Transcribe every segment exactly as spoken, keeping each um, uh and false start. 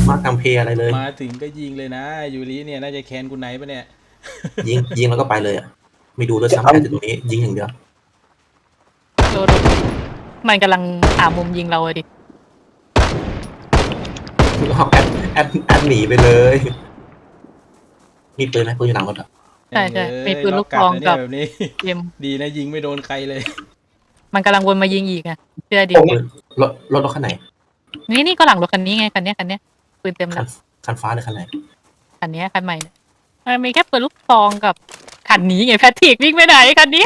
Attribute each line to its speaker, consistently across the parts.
Speaker 1: มาทำเพย์อะไรเลย
Speaker 2: มาถึงก็ยิงเลยนะยูริเนี่ยน่าจะแคนคุณไหนปะเนี่ย
Speaker 1: ยิงยิงแล้วก็ไปเลยอ่ะไม่ดูด้วยซ้ำแค่ตรงนี้ยิงอย่างเดียว
Speaker 3: โดนมันกำลังหามุมยิงเราเลยดิ
Speaker 1: เอาแอดแอดแอดหนีไปเลยมีปืนไหมปืนอยู่หลังรถอ่ะ
Speaker 3: ใช่ใช่มีปืนลูกซองกับ
Speaker 2: แบบนี้
Speaker 3: เอ็ม
Speaker 2: ดีนะยิงไม่โดนใครเลย
Speaker 3: มันกำลังวนมายิงอีกอ่ะเชื่อดิ
Speaker 1: รถรถรถคันไหน
Speaker 3: นี่นี่ก็หลังรถคันนี้ไงคันนี้คันนี้ปืนเต็มแล้ว
Speaker 1: คันฟ้าหรือคันไหน
Speaker 3: คันนี้คันใหม่มันมีแค่ปืนลูกซองกับคันนี้ไงแพทริกวิ่งไปไหนคันนี้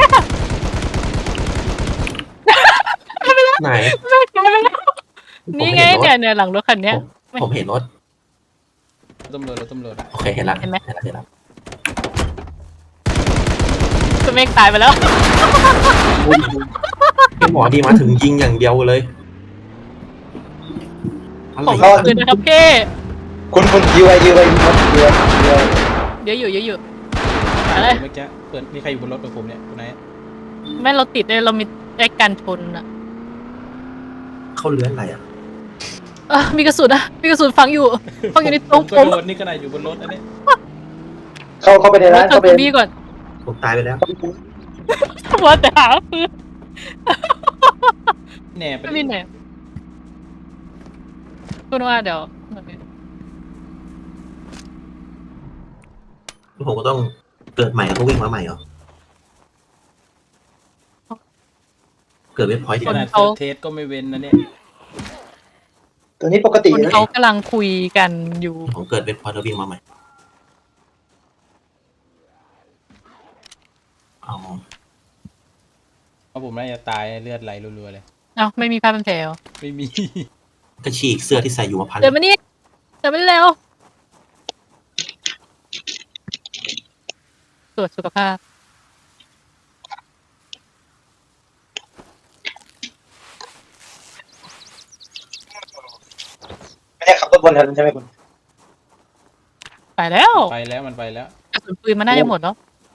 Speaker 1: ไหน
Speaker 3: นี่ไงเนี่ยเนี่ยหลังรถคันนี้
Speaker 1: ผมเห็นรถ
Speaker 2: ตำรวจรถตำรวจ
Speaker 1: โอเคเห็นแล้ว
Speaker 3: เห็นไหม
Speaker 1: เห็นแล้วเห็นแล้ว
Speaker 3: ตัวเมฆตายไปแล้ว
Speaker 1: หมอดีมาถึงยิงอย่างเดียวเลย
Speaker 3: ผมปืนนะครับเก้
Speaker 4: คุณคุณยื้อไว้ยื้อไว้ยื้อไว้ยื้อไว้
Speaker 3: เยอะอยู่เยอะอยู่
Speaker 2: อะไรเมื่อกี้เปิดมีใครอยู่บนรถกับผมเนี่ยคุณไหน
Speaker 3: แม่เราติดเลยเรามีแอคการชนอ่ะ
Speaker 1: เขาเลื้อนอะไรอ่ะ
Speaker 3: เออมีกระสุนอะมีกระสุนฝังอยู่ฝังอยู่ในตรงผม
Speaker 2: โดนนี่ก็นายอยู่บนรถอันนี้
Speaker 4: เข้าเข้าไปในร้านเข้าไป
Speaker 3: บีก่อน
Speaker 1: ผมตายไปแล้ว
Speaker 3: ว่าแต่หาปืน
Speaker 2: แหน่
Speaker 3: ไม่มีแหนคุณว่าเดี๋ยว
Speaker 1: ผมก็ต้องเกิดใหม่แล้วก็วิ่งมาใหม่เหรอเกิดเว็บพอยต์
Speaker 2: ขนาดเทสก็ไม่เว้นนะเนี่ย
Speaker 4: ตัวนี้ปกติ
Speaker 3: คนเขากำลังคุยกันอยู่
Speaker 1: ผมเกิดเว็บพอยต์แล้ววิ่งมาใหม่เอา
Speaker 2: เอาผมน่าจะตายเลือดไหลรัวๆเลย
Speaker 3: เอ้าไม่มีผ้าพันแผล
Speaker 2: ไม่มี
Speaker 1: ก็ฉีกเสื้อที่ใส่อยู่มาพัน
Speaker 3: เดินมานี่เดินมาเร็วตรวจสุขภาพ
Speaker 4: ไม่ได้ขับรถบนถนนใช่ไหมคุณ
Speaker 3: ไปแล้ว
Speaker 2: ไปแล้วมันไปแล้ว
Speaker 3: กระสุนปืนมันน่าจะหมดแล้ว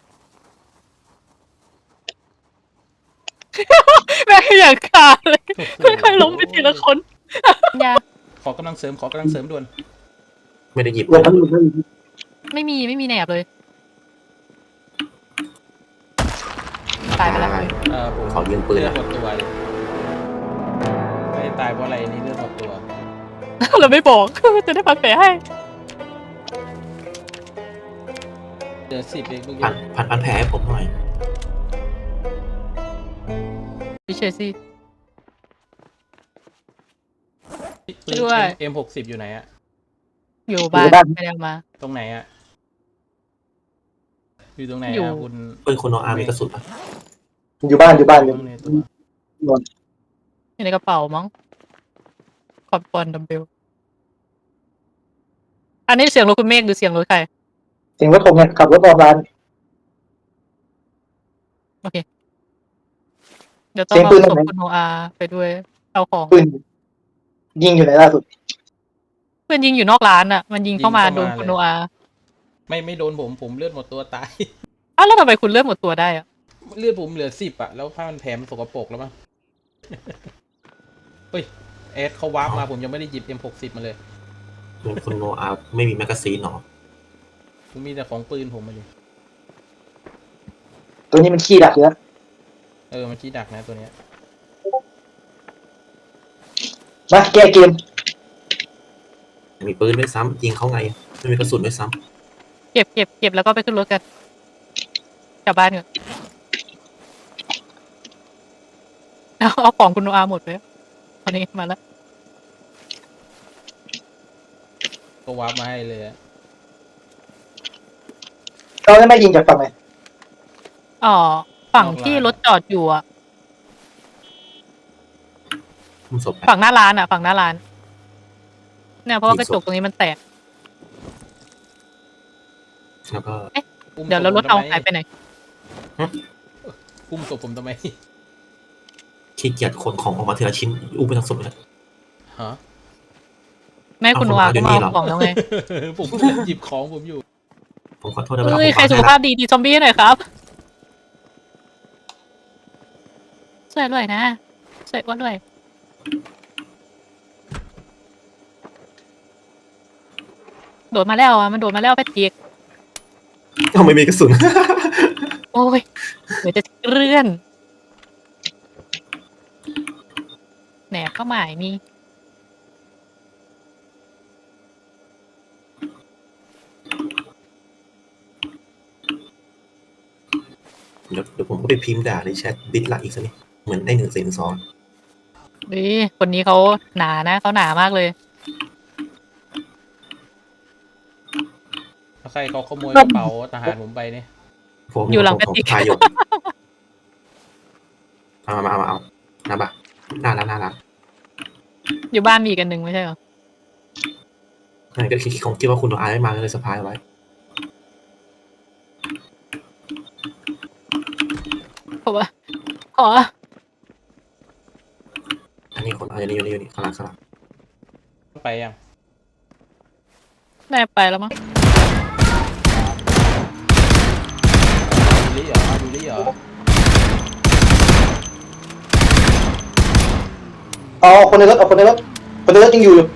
Speaker 3: แม่อยากขาดเลยค่อยๆล้มไปทีละคนยา
Speaker 2: ขอกำลังเสริมขอกำลังเสริมด่วน
Speaker 1: ไม่ได้หยิบ
Speaker 3: ไม่มีไม่มีแหนบเลยตายไปแล้ว
Speaker 2: เออผม
Speaker 1: ขอยืมปืน
Speaker 2: เลือดหมดตัวไม่ตายเพราะอะไรนี่เลือดหมดตัว
Speaker 3: เราไม่บอกจะได้พักแผลให้
Speaker 2: เดือดสิบเองเมื่อกี้
Speaker 1: พันพันพันแผลให้ผมหน่อย
Speaker 3: พี่เชซี่
Speaker 2: ปืนเอ็มหกสิบอยู่ไหนอะ
Speaker 3: อยู่บ้านไม่ได้มา
Speaker 2: ตรงไหนอะอยู่ตรงไหนอะคุณ
Speaker 1: ปืนคุณโนอามีกระสุนปะ
Speaker 4: อยู่บ้านอยู่บ้านอยู่
Speaker 3: อยู่ในกระเป๋ามั้งคอร์ปอนดัมเบลอันนี้เสียงรถคุณเมฆหรือเสียงรถใคร
Speaker 4: เสียงรถผมเนี่ยขับรถออกร้าน
Speaker 3: โอเคเดี๋ยวต้องเอาศพคุณโนอาไปด้วยเอาของ
Speaker 4: ปืนยิงอยู่ไหนล่าสุด
Speaker 3: เพื่อนยิงอยู่นอกร้านอ่ะมันยิงเข้ามาโดนคุณโนอา
Speaker 2: ไม่ไม่โดนผมผมเลือดหมดตัวตาย
Speaker 3: อ้าวแล้วทำไมคุณเลือดหมดตัวได้อ่ะ
Speaker 2: เลือดผมเหลือสิบอ่ะแล้วผ้ามันแผลมันสกปรกแล้วมั้งเฮ้ยเอสเขาวาร์ปมาผมยังไม่ได้หยิบ เอ็ม หกสิบ มาเลย
Speaker 1: คุณโนอาไม่มีแมกกาซีนหรอ
Speaker 2: ผมมีแต่ของปืนผมมาดิ
Speaker 4: ตัวนี้มันขี้ดักเยอะ
Speaker 2: เออมันขี้ดักนะตัวเนี้ย
Speaker 4: มาแก้เกม
Speaker 1: มีปืนด้วยซ้ำยิงเขาไงไม่มีกระสุนด้วยซ้
Speaker 3: ำเก็บเก็บเก็บแล้วก็ไปขึ้นรถกันกลับบ้านเถอะเอาเอาของคุณโนอาหมดเลยตอนนี้มาแล้ว
Speaker 2: ก็วาร์ปมาให้เลย
Speaker 4: เราจะไม่ยิงจากฝั่งไหน
Speaker 3: อ๋อฝั่งที่รถจอดอยู่อ่ะฝั่งหน้าร้านอ่ะฝั่งหน้าร้านเนี่ยเพราะว่ากระจกตรงนี้มันแตก
Speaker 1: แล้วก็
Speaker 3: เดี๋ยวแล้วรถเอาหายไปไหน
Speaker 2: อุ้มศพผมทำไม
Speaker 1: ขี้เกียจขนของออกมาทีละชิ้นอุ้มไปทั้งศพเลย
Speaker 2: ฮะ
Speaker 3: แม่คุณวาก็มาของแล้วไง
Speaker 2: ผมหยิบของผมอยู่
Speaker 1: ผมขอโทษนะเวลา
Speaker 3: ใครสุขภาพดีดีซอมบี้หน่อยครับช่วยด้วยนะช่วยอ้วนด้วยโดดมาแล้วอ่ะมันโดดมาแล้วแพทริก
Speaker 1: ทำไมมีกระสุน
Speaker 3: โอ้ยเดี๋ยวจะเลื่อนแหนบเข้าหมายมี
Speaker 1: เดี๋ยวเดี๋ยวผมก็ไปพิมพ์ด่าในแชทดิสไลค์อีกสักนิดเหมือนได้หนึ่งเสียงสอง
Speaker 3: นี่คนนี้เขาหนานะเขาหนามากเลย
Speaker 2: ใครเขาขโมยกระเป๋าทหารผมไปเนี่ย
Speaker 1: ผม
Speaker 3: อยู่หลัง
Speaker 1: ผม
Speaker 3: กระติก
Speaker 1: ผมพายอยู่เอามาเอามาเอาน้ำปะน่ารักน่ารัก
Speaker 3: อยู่บ้านมีอีกอันหนึ่งไม่ใช่เหรอ
Speaker 1: นั่นก็คิดของคิดว่าคุณโนอาไม่มาก็เลยสะพายไว้
Speaker 3: เพราะว่าขอ
Speaker 1: อันนี้คนเอาอย่างนี้อยู่นี่อยู่นี่ข้างหลังข้างหลัง
Speaker 2: ไปยัง
Speaker 3: แน่ไปแล้วมั้ง
Speaker 2: ดูลี่เหรอดูลี่เหรอ
Speaker 4: อ๋อคนในรถเอาคนในรถคนในรถยังอยู่อยู่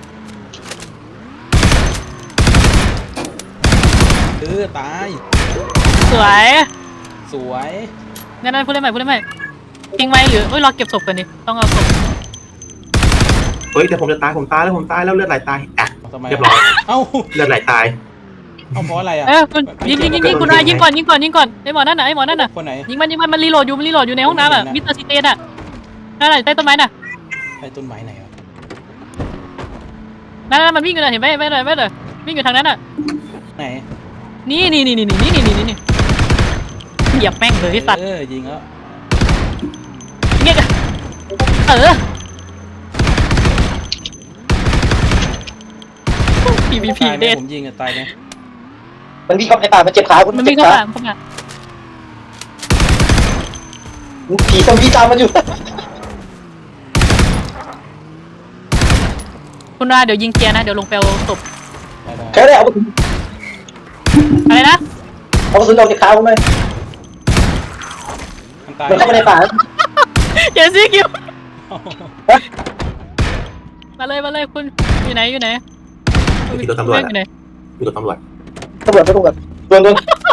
Speaker 2: เออตาย
Speaker 3: สวย
Speaker 2: สวย
Speaker 3: งั้นนั่นพูดได้ไหมพูดได้ไหมทิ้งไหมหรือเอ้ยรอเก็บศพกันดิต้องเอาศพ
Speaker 1: เฮ้ยแต่ผมจะตายผมตายแล้วผมตายแล้วเลือดไหลตายอ่ะ
Speaker 2: ทำไม
Speaker 1: เรียบร้อย
Speaker 2: เอ้า
Speaker 1: เลือดไหลตาย
Speaker 2: เอาเพราะอะไรอ่ะ
Speaker 3: เออคุณยิงยิงยิงยิงคุณอายิงก่อนยิงก่อนยิงก่อนไอ้หมอนั่นน่ะไอ้หมอนั่นน่ะ
Speaker 2: คนไหน
Speaker 3: ยิงมันยิงมันมันรีโหลดอยู่มันรีโหลดอยู่ในห้องน้ำอ่ะ
Speaker 2: คนไหนนะ
Speaker 3: มิสเตอร์ซิเตนอ่ะนั่นแหละใต้ต้นไม้น่ะ
Speaker 2: ไอ้ต้นไม้ไหนวะ
Speaker 3: นั่นน่ะมันวิ่งอยู่น่ะเห็นไหมไม่เลยไม่เลยวิ่งอยู่ทางนั้นอ่ะ
Speaker 2: ไหน
Speaker 3: นี่นี่นี่นี่นี่นี่นี่นี่นี่เหยียบแม่งเลยสัตว์
Speaker 2: เออยิงแล้ว
Speaker 3: เงี้ยเออ พี วี พี
Speaker 2: ตายไหม
Speaker 3: เด็ด
Speaker 2: ผมยิงอะตายไหม
Speaker 4: มันวิ่งเข้าในป่ามันเจ็บขาคุณ
Speaker 3: มัน
Speaker 4: เจ็
Speaker 3: วิ่ง
Speaker 4: บ
Speaker 3: เข้า
Speaker 4: ขา
Speaker 3: มาเข้ามา
Speaker 4: ผีซอมบี้ตามมันอยู่
Speaker 3: คุณอาเดี๋ยวยิงเกียร์นะเดี๋ยวลงไปเอาศพ
Speaker 2: ได้ได้
Speaker 4: ใช้ได้เอากระสุน
Speaker 3: อะไรนะ
Speaker 4: เอากระสุนออกจากขาผมเลย
Speaker 2: มันตาย
Speaker 4: มันเข้ามาในป่าแล้ว
Speaker 3: เจสซี่คิวมาเลยมาเลยคุณอยู่ไหนอยู่ไหน
Speaker 1: อยู่ที่รถตำรวจ
Speaker 3: อยู่ไหน
Speaker 1: อยู่รถตำรวจ
Speaker 4: ตำรวจตำรวจโดนโดน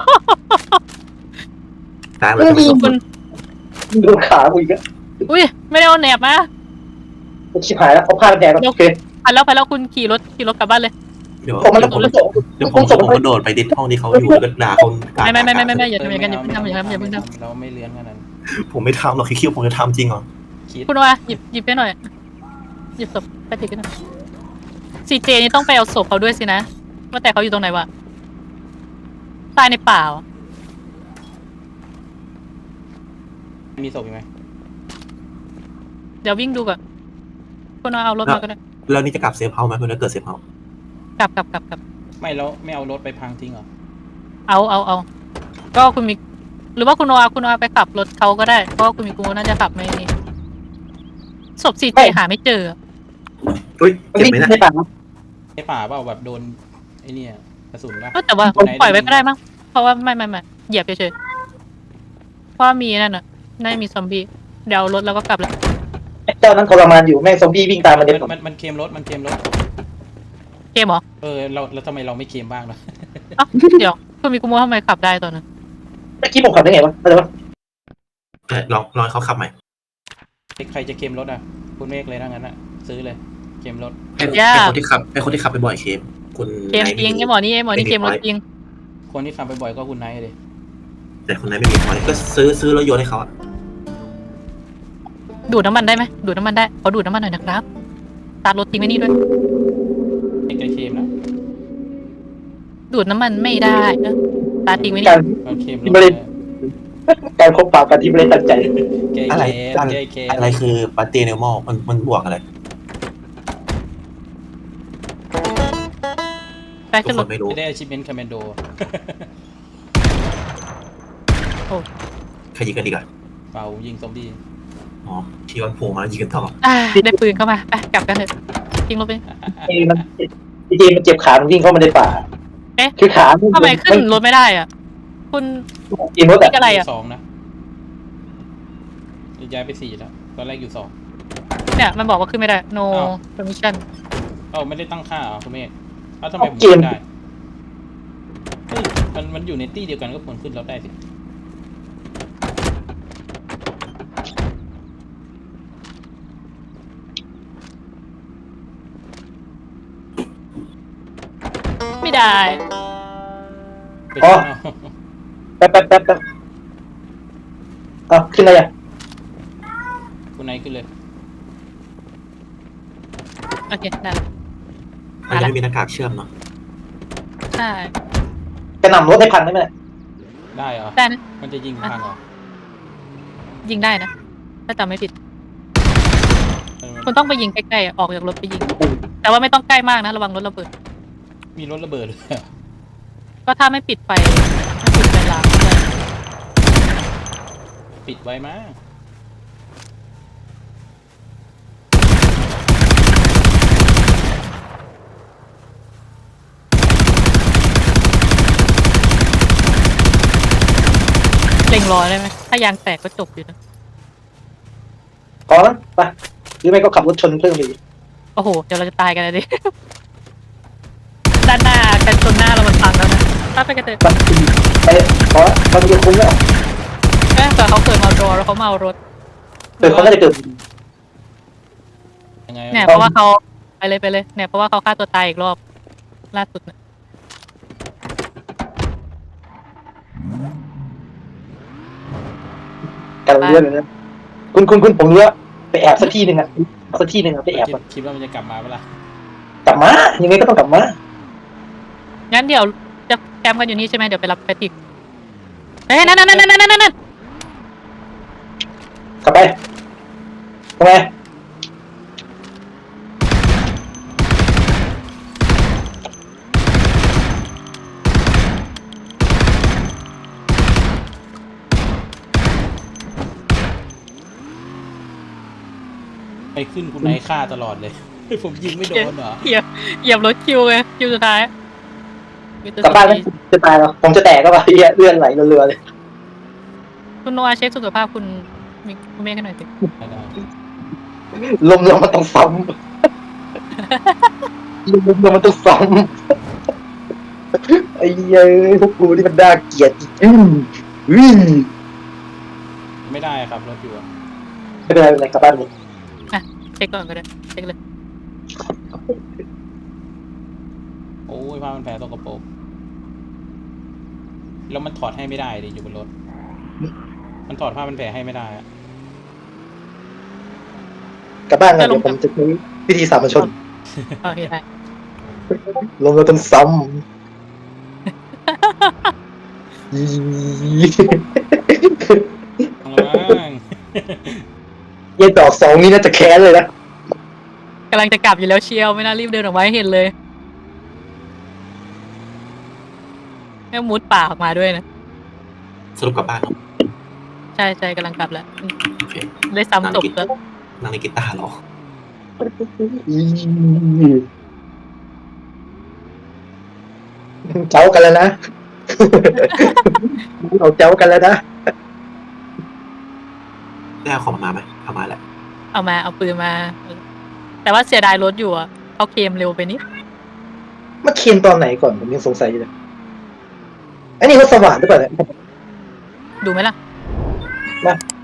Speaker 1: ตายเล
Speaker 4: ไม่
Speaker 1: ย
Speaker 4: มี
Speaker 3: คุณ
Speaker 4: โดนขากูอีกแล้ว
Speaker 3: อุ้ยไม่ได้เอาแหนบมา
Speaker 4: ชิบหายแล้วเอาผ้าแดงแล้วโอเค
Speaker 3: พันแล้วพันแล้วคุณขี่รถขี่รถกลับบ้านเลย
Speaker 1: เดี๋ยว
Speaker 4: ผมมัน
Speaker 1: เดี๋ยวผม
Speaker 4: มันส่ง
Speaker 1: เดี๋ยวผม
Speaker 4: ส่ง
Speaker 1: ผมก็โดดไปดิสห้องที่เขาอยู่แล้วก็ด่าคน
Speaker 3: ไม่ไม่ไม่ไม่ไม่ไม่อย่า
Speaker 2: เออ
Speaker 3: ทำอย่างนั้นอย่าเพิ่งทำอย่าทำอย่าเพิ่งท
Speaker 2: เราไม่เลี้ยงขนาดนั้น
Speaker 1: ผมไม่ทำหรอกคิดว่าผมจะทำจริงเหรอ
Speaker 2: คิด
Speaker 3: ำคุณว่าหยิบหยิบไปหน่อยหยิบศพไปติดกันหน่อยซีเจนี่ต้องไปเอาศพเขาด้วยสินะว่าแต่เขาอยู่ตรงไหนวะตายในป่าเหรอ
Speaker 2: มีศพอีกไหม
Speaker 3: เดี๋ยววิ่งดูก่อนคุณว่าเอารถมาก็ได้
Speaker 1: แล้วนี่จะกลับเซฟเฮาส์ไหมเพื่อนถ้าเกิดเซฟเฮาส์
Speaker 3: กลับกลับกลับกลับ
Speaker 2: ไม่แล้วไม่เอารถไปพังทิ้งเหรอ
Speaker 3: เอาเอาเอาก็คุณมี หรือว่าคุณโนอาคุณโนอาไปขับรถเขาก็ได้เพราะว่าคุณมีกูน่าจะขับไม่นี่ศพซีเจหาไม่เจอ
Speaker 1: เฮ้ย
Speaker 4: มัน
Speaker 1: เจ็บ
Speaker 4: วิ่ง
Speaker 1: ไหมนะ
Speaker 4: ในป่า
Speaker 2: ในป่าเปล่าแบบโดนไอ้เนี่ยกระสุนป่ะ
Speaker 3: ก็แต่ว่าปล่อยไว้ก็ได้มั้งเพราะว่าไม่ไม่ไม่เหยียบเฉยๆเพราะว่ามีนั่นน่ะน่าจะมีซอมบี้เดี๋ยวเอารถแล้วก็กลับแล้ว
Speaker 4: เจ้านั้นทรมานอยู่แม่งซอมบี้วิ่งตามมันเด็ด
Speaker 2: มันมันมันเคลมรถมันเคลมรถ
Speaker 3: เกมเหรอ
Speaker 2: เออเราแล้วทำไมเราไม่เคลมบ้างล่ะ
Speaker 3: เอ้าเดี๋ยวคุณมีกูโมทำไมขับได้ตอนนั้น
Speaker 4: เมื่อกี้ผมขับได้ไงวะอะไรวะ
Speaker 1: เอ้ยลองลองให้เขาขับใหม่
Speaker 2: ใครจะเคลมรถอ่ะคุณเมฆเลยถ้างั้นอ่ะซื้อเลยเคลมรถ
Speaker 1: ให้ให้คนที่ขับให้คนที่ขับไปบ่อยเคมคุณ
Speaker 3: เกมจริงไอ้หมอนี่ไอ้หมอนี่เกมรถจริง
Speaker 2: คนที่ขับไปบ่อยก็คุณไนท์เลย
Speaker 1: แต่คนนั้นไม่มีพอยก็ซื้อซื้อรถยนต์ให้เขาอะ
Speaker 3: ดูดน้ำมันได้ไหมดูดน้ำมันได้ขอดูดน้ำมันหน่อยนะครับตาร์ทรถทิ้งไว้นี่ด้วย
Speaker 2: ไอ้ไกเคลมนะ
Speaker 3: ดูดน้ำมันไม่ได้เออตาร์ททิ้งไว้นี่
Speaker 4: การ
Speaker 2: มันเคลมรถ
Speaker 4: ไม่ได้ การคบปากกันที่ไม่ได้ตั้งใจ
Speaker 2: เกย์
Speaker 1: อะไร
Speaker 2: เคลม
Speaker 1: อะไร
Speaker 2: เกย์เคลม
Speaker 1: อะไรคือปาร์ตี้เนลมอลมันมันบวกอะไร
Speaker 3: ไป
Speaker 1: ทุ
Speaker 3: ขึ้
Speaker 1: ก
Speaker 3: น
Speaker 1: ค
Speaker 3: รถ
Speaker 1: นไม่รู้
Speaker 2: ไม่ได้ achievement commando
Speaker 1: ใครยิงกันดีกว่า
Speaker 2: เปล่ายิงซอมบี้
Speaker 1: อ๋อที่วันโผล่มายิงกันต่อ
Speaker 3: อ่าได้ปืนเข้ามาไปกลับกันเถอะทิ้งรถไป
Speaker 4: ไอ้มันจริงๆมันเจ็บขามันวิ่งเข้ามาในป่า
Speaker 3: เอ๊ะ
Speaker 4: คือขา
Speaker 3: ทำไมขึ้นรถไม่ได้อ่ะ คุณ
Speaker 4: กินรถ
Speaker 3: นี่
Speaker 4: อะ
Speaker 3: อะไรอ่ะ
Speaker 2: สองนะย้ายไปสี่แล้วตอนแรกอยู่สอง
Speaker 3: เนี่ยมันบอกว่าขึ้นไม่ได้ no
Speaker 2: อ้าว
Speaker 3: permission
Speaker 2: เอ้าไม่ได้ตั้งค่าเหรอคุณเมฆเอ้าทำไมผมขึ้นได้มันมันอยู่ในตี้เดียวกันก็ควรขึ้นรถได้สิ
Speaker 3: ไม่ได้
Speaker 2: ไป
Speaker 4: อ๋อ
Speaker 2: ข้างนอก
Speaker 4: แป๊บแป๊บแป๊บแป๊บอ่ะขึ้นอะไรอ่ะ
Speaker 2: คุณนายขึ้นเลย
Speaker 3: โอเคได้ละ
Speaker 1: มันจะไม่มีหน้ากากเชื่อมเนาะ
Speaker 3: ใช่
Speaker 4: กระหน่ำรถให้พันได้ไหมเนี่ย
Speaker 2: ได้เหรอ
Speaker 3: ได้นะ
Speaker 2: มันจะยิงพังเหรอ
Speaker 3: ยิงได้นะ ถ้าจำไม่ผิด
Speaker 2: เออ
Speaker 3: คุณต้องไปยิงใกล้ๆออกจากรถไปยิง แต่ว่าไม่ต้องใกล้มากนะระวังรถระเบิด
Speaker 2: มีรถระเบิดเลย
Speaker 3: ก็ถ้าไม่ปิดไฟไม่ปิดไฟล้างเลย
Speaker 2: ปิดไว้มั้ง
Speaker 3: เล็งรอได้ไหมถ้ายางแตกก็จบอยู่นะ
Speaker 4: พอแล้วไปหรือไม่ก็ขับรถชนเพิ่มอีก
Speaker 3: โอ้โห เดี๋ยวเราจะตายกันเลยดิ ด้านหน้ากันชนหน้าเรามันพังแล้วนะถ้าไปกันเถอะ
Speaker 4: มันไปพอแล้วมันจะคุ้มแล้ว
Speaker 3: เอ้ยแต่เขาเกิดมาเอารอแล้วเขามาเอารถ
Speaker 4: เกิดเขาน่าจะเกิด
Speaker 2: ยังไง
Speaker 3: เนี่ยเพราะว่าเขาไปเลยไปเลยเนี่ยเพราะว่าเขาฆ่าตัวตายอีกรอบล่าสุดเนี่ย
Speaker 4: กันเรื่องเลยนะคุณคุณคุณผมรู้ว่าไปแอบสักที่หนึ่งอ่ะสักที่หนึ่งอ่ะไปแอบ
Speaker 2: คิด
Speaker 4: ก่อน
Speaker 2: คิดว่ามันจะกลับมาเปะล่าก
Speaker 4: ลับมายังไงก็ต้องกลับมา
Speaker 3: งั้นเดี๋ยวจะแคมป์กันอยู่นี่ใช่ไหมเดี๋ยวไปรับแพทริกเอ้ยนั่นนั่นนั่นนั่นนั่นนั่น
Speaker 4: กลับไปทำไม
Speaker 2: ไปขึ้นคุณนายฆ่าตลอดเลย ผมยิงไม่โดนเหรอ
Speaker 3: เหยียบเหยียบรถคิวไงคิวสุดท้าย
Speaker 4: กลับบ้านไหมจะตายแล้วผมจะแตกก็ว่าเหี้ยเลื่อนไหลเรือๆเลย
Speaker 3: คุณโนอาเช็คสุขภาพคุณมีคุณเมฆกันหน่อยสิ
Speaker 2: ได้ได้
Speaker 4: ลมลมมันต้องซ้ำลมลมมันต้องซ้ำไอ้เหี้ยพวกกูนี่มันน่าเกลียดจริงอืม
Speaker 2: ไม่ได้ครับรถอยู่อะ
Speaker 4: ไม่เป็นไรไม่เป็นไรกลับบ้านเลย
Speaker 3: เช็คก่อนก็ได้เช็คเลย
Speaker 2: โอ้ยผ้ามันแผลตกกระโปรงแล้วมันถอดให้ไม่ได้ดิอยู่บนรถ มันถอดผ้ามันแผลให้ไม่ได้อะ
Speaker 4: กลับบ้านกันเดี๋ยวผมจะใช้วิธีสามัญชน
Speaker 3: โอเคได้
Speaker 4: ลมเราต้องซ้ำอี
Speaker 2: เอาละมั้ง
Speaker 4: เย็นดอกสองนี่น่าจะแค้นเลยนะ
Speaker 3: กำลังจะกลับอยู่แล้วเชียวไม่น่ารีบเดินออกมาให้เห็นเลยแม่งมุดป่าออกมาด้วยนะ
Speaker 1: สรุปกลับบ้านเนาะ
Speaker 3: ใช่ใช่กำลังกลับแล้ว
Speaker 1: โอเค
Speaker 3: ได้ซ้ำจบแล้ว
Speaker 1: นั่งในกีตาร์เหรอ
Speaker 4: อีเจ้ากันแล้วนะ เราเจ้ากันแล้วนะ
Speaker 1: ได้เอาของมาไหมเอามาแหละ
Speaker 3: เอามาเอาปืนมา แต่ว่าเสียดายรถอยู่อ่ะเขาเคลมเร็วไปนิด
Speaker 4: มาเคียนตอนไหนก่อนผมยังสงสัยอยู่เลยอันนี้รถสว่างหรือเปล่าเนี่ย
Speaker 3: ดูไหมล่ะ
Speaker 4: มา